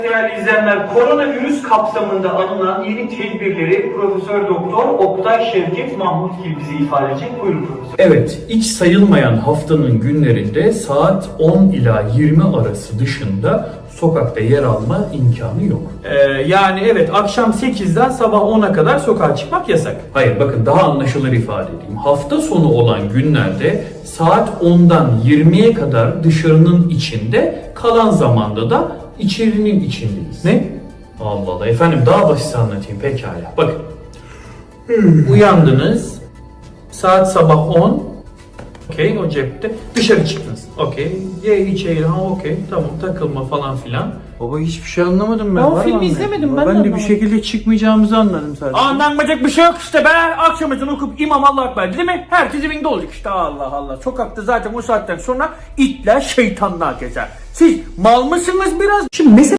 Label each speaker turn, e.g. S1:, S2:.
S1: Değerli izleyenler, koronavirüs kapsamında alınan yeni tedbirleri Profesör Doktor Oktay Şevket Mahmutgil bize ifade edecek. Buyurun profesör.
S2: Evet, hiç sayılmayan haftanın günlerinde saat 10 ila 20 arası dışında sokakta yer alma imkanı yok.
S3: Yani evet, akşam 8'den sabah 10'a kadar sokağa çıkmak yasak.
S2: Hayır, bakın daha anlaşılır ifade edeyim. Hafta sonu olan günlerde saat 10'dan 20'ye kadar dışarının içinde, kalan zamanda da içerinin içindeyiz.
S3: Ne?
S2: Allah Allah. Efendim daha basit anlatayım pekala. Bakın.
S3: Uyandınız, saat sabah 10, okey, o cepte, dışarı çıktınız, okey, ye içeri, ha okey, tamam, takılma falan filan.
S4: Baba hiçbir şey anlamadım ben.
S3: Ben o
S4: Var mı
S3: filmi
S4: anlayan?
S3: izlemedim,
S4: Ben de
S3: anlamadım.
S4: bir şekilde çıkmayacağımızı anladım sadece.
S3: Anlanmayacak bir şey yok işte be, akşam ezanı okup İmam Allah Ekber değil mi? Herkes evinde olacak işte, Allah Allah. Sokakta zaten o saatten sonra itler şeytanlar gezer. Siz mal mısınız biraz?
S5: Şimdi mesela